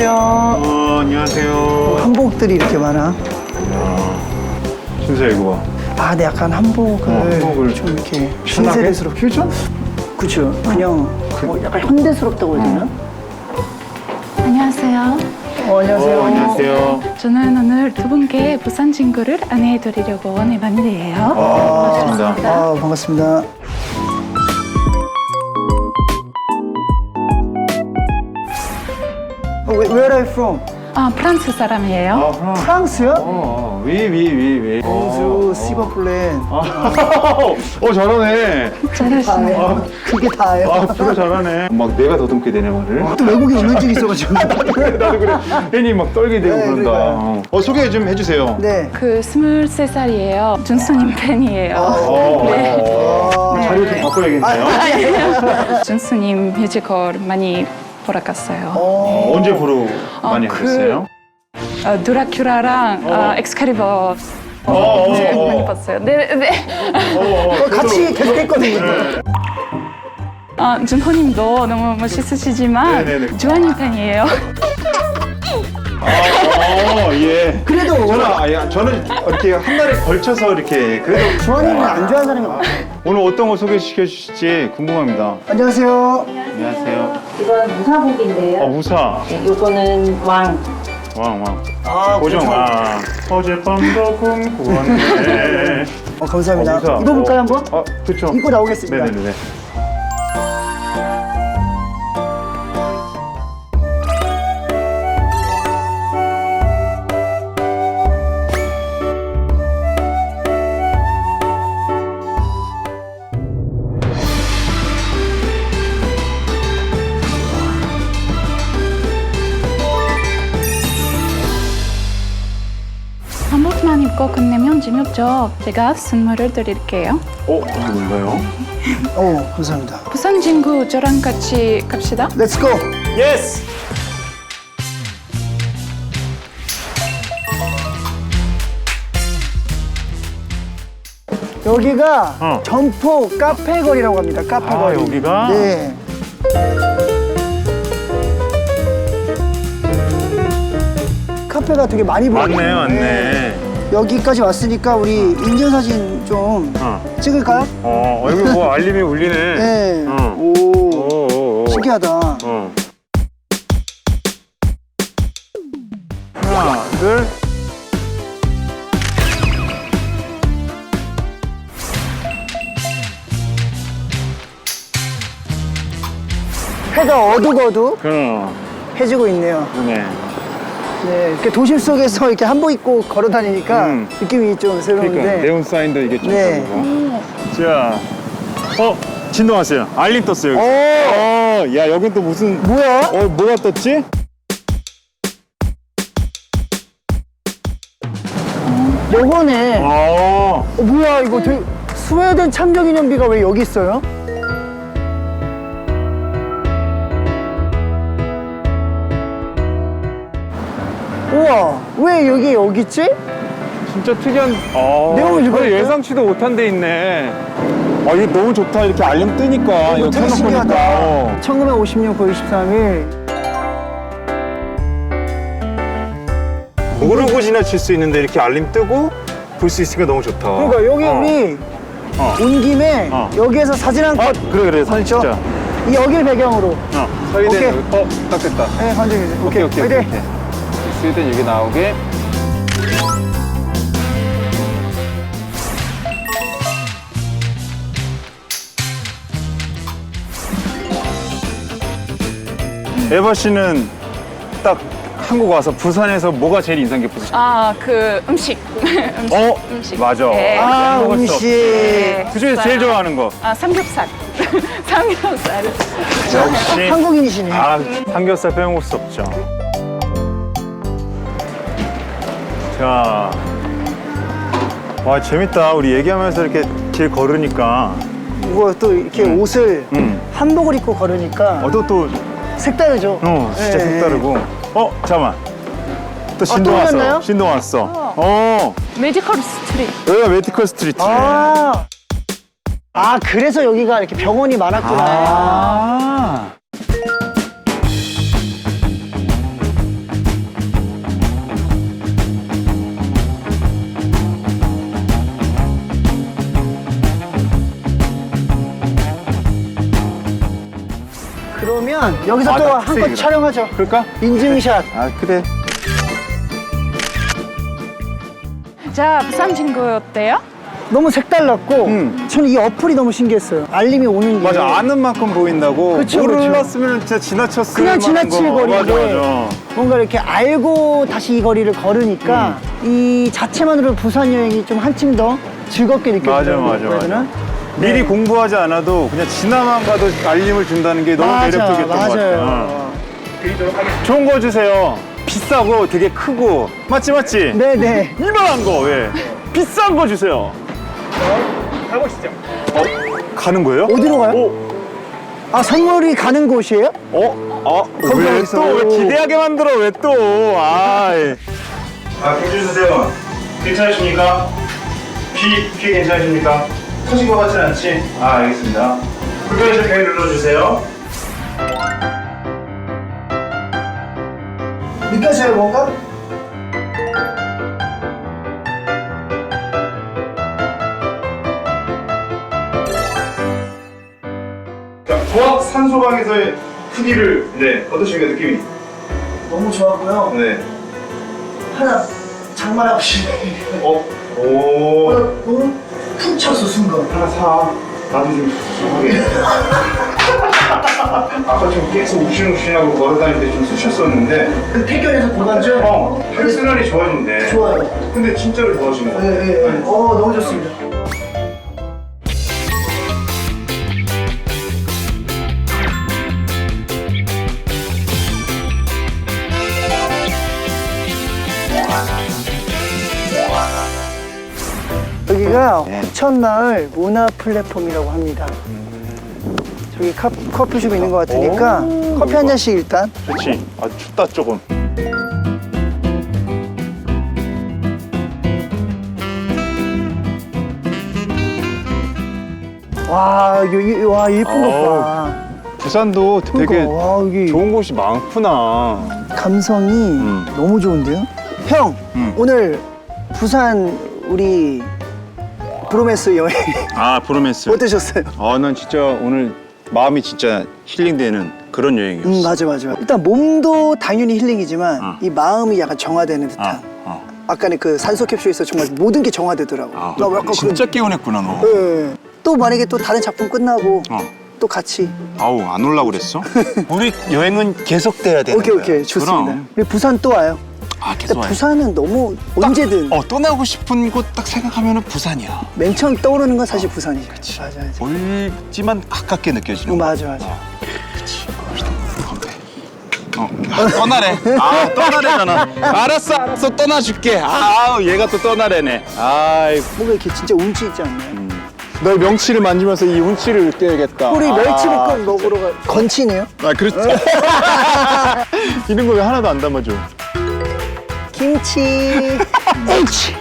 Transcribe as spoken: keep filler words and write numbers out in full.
안녕하세요. 어, 안녕하세요. 한복들이 이렇게 많아. 진짜 이거 봐. 아, 네, 약간 한복을, 어, 한복을 좀 이렇게 신나게? 신세대스럽게. 퓨전? 그쵸. 그냥 뭐 약간 현대스럽다고 해야 되나? 안녕하세요. 어, 안녕하세요. 어, 안녕하세요. 저는 오늘 두 분께 부산 친구를 안내해드리려고 온 에반이에요. 아, 반갑습니다. 아, 반갑습니다. 어, where where are you from? 아, 프랑스 사람이에요. 아, 프랑. 프랑스요? 어, 위, 위, 위, 위. bonjour, 시버플랜. 어, 잘하네. 잘하시네요. 그게 다예요. 아, 진짜 잘하네. 막 내가 더듬게 되네, 말을. 또 외국에 운전증이 있어가지고. 나도 그래, 나도 그래. 괜히 막 떨게 되고 네, 그런다. 그러니까요. 어, 소개 좀 해주세요. 네. 그 스물세 살이에요. 준수님 팬이에요. 어, 네. 어, 네. 자료 좀 바꿔야겠네요. 준수님 뮤지컬 많이 보러 갔어요. 어, 어, 언제 보러 많이 그- 하셨어요? 어, 드라큘라랑 어, 엑스칼리버 어, 어, 네, 어. 많이 봤어요. 네, 네. 어, 그거 같이 계속 했거든요. 아, 준호님도 너무 멋있으시지만 네네네. 주한님 팬이에요. 아, 어, 예. 그래도 저는, 아, 야, 저는 이렇게 한 달에 걸쳐서 이렇게 그래도 주환이는 안 좋아하는 사람이 많아요. 오늘 어떤 거 소개시켜 주실지 궁금합니다. 안녕하세요. 안녕하세요. 이건 무사복인데요. 어, 무사. 네, 요거는 왕. 왕, 왕. 아, 고정, 아. 어젯밤도 꿈꾸었네. 어, 감사합니다. 어, 무사. 입어볼까요, 한번? 어, 그쵸. 입고 나오겠습니다. 네네네. 한복만 입고 끝내면 재미없죠. 제가 선물을 드릴게요. 어, 이게 뭔가요? 어, 감사합니다. 부산 친구 저랑 같이 갑시다. 렛츠 고! 예스! 여기가 어. 점포 카페 거리라고 합니다. 카페 아, 거리. 여기가? 네. 카페가 되게 많이 보여요. 맞네, 맞네. 여기까지 왔으니까 우리 인증사진 좀 어. 찍을까요? 어, 여기 뭐 알림이 울리네. 네. 어. 오, 오, 오, 오. 신기하다. 어. 하나, 둘. 해가 어둑어둑 그럼, 해지고 있네요. 그러네. 네, 이렇게 도심 속에서 이렇게 한복 입고 걸어 다니니까 음. 느낌이 좀 새로운데. 그러니까 네온 사인도 이게 좀 네. 다르고. 자, 어, 진동 왔어요. 알림 떴어요. 여기. 오, 어, 야, 여긴 또 무슨 뭐야? 어, 뭐가 떴지? 요거네. 어. 어, 뭐야 이거 되게 스웨덴 참전기념비가 왜 여기 있어요? 우와, 왜 여기 여기 있지? 진짜 특이한. 어. 내용을 읽어볼까요? 전혀 예상치도 못한 데 있네. 아, 이게 너무 좋다. 이렇게 알림 뜨니까. 이거 되게 켜놓고 신기하다. 보니까. 어. 천구백오십 년 구월 이십삼 일. 모르고 지나칠 수 있는데 이렇게 알림 뜨고 볼 수 있으니까 너무 좋다. 그러니까 여기 어. 우리 어. 온 김에 어. 여기에서 사진 한 아, 컷. 그래, 그래. 사진 그렇죠? 찍자. 이 여기를 배경으로. 어. 서희대. 오케이. 어, 딱 됐다. 네, 관중이죠. 오케이, 오케이. 화이팅! 오케이. 스웨덴 여기 나오게. 에바 씨는 딱 한국 와서 부산에서 뭐가 제일 인상 깊으세요? 아, 그 음식. 음식. 어, 음식. 맞아. 네. 아, 먹을 수 음식. 없지. 네. 그중에서 제일 좋아하는 거. 아, 삼겹살. 삼겹살. 역시. 한국인이시네. 아, 삼겹살 빼먹을 수 없죠. 자, 와 재밌다. 우리 얘기하면서 이렇게 길 걸으니까 이거 또 이렇게 옷을 음. 한복을 입고 걸으니까 어, 또, 또, 색다르죠? 어, 진짜 네. 색다르고. 어, 잠깐만. 또 신동 또 왔어. 오셨나요? 신동 왔어. 어, 메디컬 스트리트. 여기가 메디컬 스트리트네. 아, 아 그래서 여기가 이렇게 병원이 많았구나. 아. 그러면 여기서 아, 또 나 한 컷 픽셀이다. 촬영하죠. 그럴까? 인증샷. 아 그래. 자, 부산 친구 어때요? 너무 색달랐고 음. 저는 이 어플이 너무 신기했어요. 알림이 오는 게. 맞아, 아는 만큼 보인다고. 그쵸, 몰랐으면 진짜 지나쳤을 그냥 만한 지나칠 거. 거리인데 맞아, 맞아. 뭔가 이렇게 알고 다시 이 거리를 걸으니까 이 자체만으로 부산 여행이 좀 한층 더 즐겁게 맞아, 느껴지더라고요. 맞아, 그래야 맞아. 되나? 미리 네. 공부하지 않아도 그냥 지나만 가도 알림을 준다는 게 너무 맞아, 매력적이었던 것 같아요. 맞아요. 좋은 거 주세요. 비싸고 되게 크고. 맞지, 맞지? 네네. 이만한 거, 왜? 비싼 거 주세요. 가보시죠. 어? 가는 거예요? 어디로 가요? 오, 아 선물이 가는 곳이에요? 어? 어? 거기 왜 어디서? 또? 왜 기대하게 만들어? 왜 또? 아이. 아, 경주 주세요. 괜찮으십니까? 비, 비 괜찮으십니까? 터진 것 같진 않지? 아, 알겠습니다. 불편하실 배 눌러주세요. 느껴져요 뭔가? 고압 산소방에서의 크기를, 네, 어떠십니까, 느낌이? 너무 좋았고요. 네. 하나 장만하고 싶네. 어? 오. 너무 푹 쳤어 순간. 하나 사. 나도 좀 쑤하게. 아까 좀 계속 욱신욱신하고 걸어다니는데 좀 쑤셨었는데, 그 태견에서 고단죠? 어, 혈순환이 좋아진대. 좋아요. 근데 진짜로 좋아진 거 같아. 네, 네, 네. 어 너무 좋습니다. 여기가 후천마을 문화 플랫폼이라고 합니다. 저기 카, 커피숍 있는 것 같으니까 오, 커피 한 잔씩 일단. 좋지. 아, 춥다, 조금. 와, 여기 와 예쁜 것 봐. 부산도 되게 그러니까, 와 여기 좋은 곳이 많구나. 감성이 음. 너무 좋은데요? 형, 음. 오늘 부산 우리 브로메스 여행 아, 브로메스. 어떠셨어요? 아, 난 진짜 오늘 마음이 진짜 힐링되는 그런 여행이었어. 음, 맞아, 맞아. 일단 몸도 당연히 힐링이지만 어. 이 마음이 약간 정화되는 듯한. 어, 어. 아까는 그 산소 캡슐에서 정말 모든 게 정화되더라고. 아, 나 약간 진짜 개운했구나, 너. 그, 예. 또 만약에 또 다른 작품 끝나고 어. 또 같이. 아우, 안 올라고 그랬어? 우리 여행은 계속돼야 되는 오케이, 거야. 오케이. 좋습니다. 그럼. 우리 부산 또 와요. 아, 계속 근데 와요. 부산은 너무 언제든 어, 떠나고 싶은 곳 딱 생각하면 부산이야. 맨 처음 떠오르는 건 사실 부산이죠. 맞아, 맞아. 멀지만 가깝게 느껴지는 어, 거. 맞아, 맞아. 어, 아, 떠나래. 아, 떠나래잖아. 알았어, 알았어, 떠나줄게. 아, 얘가 또 떠나래네. 아이, 뭔가 이렇게 진짜 운치 있지 않나요? 널 명치를 만지면서 이 운치를 느껴야겠다. 우리 아, 멸치볶음 먹으러 가. 건치네요. 아, 그렇지. 이런 거 왜 하나도 안 담아줘? 김치. 옳지.